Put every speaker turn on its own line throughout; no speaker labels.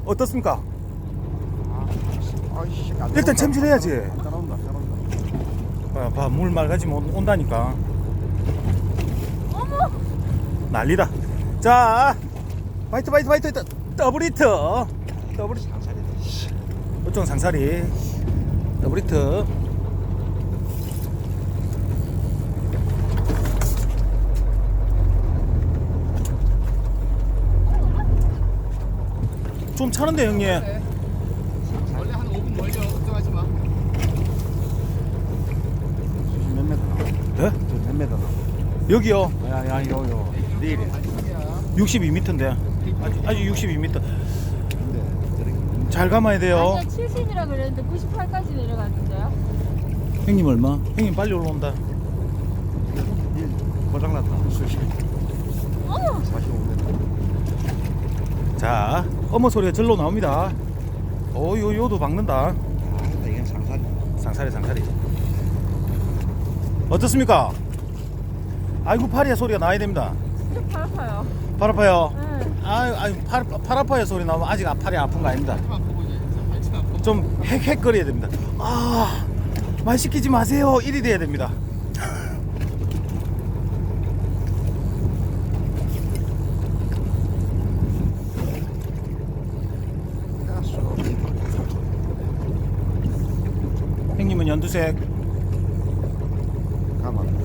어떻습니까?
아이씨,
일단 챔질해야지.
따라온다.
봐, 물 맑아지면 온다니까.
어머!
난리다. 자, 화이트 더블 히트.
상살이다.
어떤 상사리 더블 히트. 좀 차는데 형님.
원래 한 5분 멀려. 걱정하지 마.
수심 몇 메다 나와?
네?
저몇 메다 나와?
여기요.
야, 요. 내일에.
62m인데. 아직 62m.
근데 저렇게
잘 감아야 돼요.
아니요 70이라 그랬는데 98까지 내려갔는데요.
형님 얼마? 형님 빨리 올라온다.
일 고장났다. 수심
어머!
45m.
자, 어머 소리가 절로 나옵니다. 요도 박는다.
아, 이건 상살이.
상사리. 어떻습니까? 아이고 팔이야 소리가 나야 됩니다.
진짜 발 아파요.
팔 아파요.
응.
팔 아파요 소리 나오면 아직 팔이 아픈 거 아닙니다.
발치만 보고 이제 발치만 보고.
좀 헥헥거려야 됩니다. 말 시키지 마세요. 이리 돼야 됩니다. 형님은 연두색.
가만.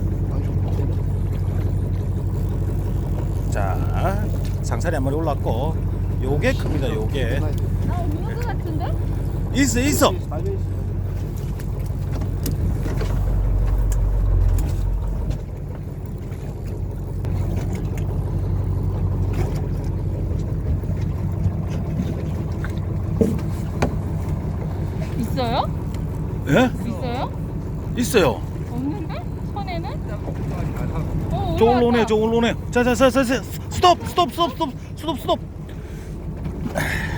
자, 상사리 한 마리 올랐고, 요게 큽니다. 요게
나 없는 것 같은데?
있어.
있어요?
예?
있어요?
있어요.
없는데? 손에는?
저걸로
올라왔다.
오네. 자, 스톱.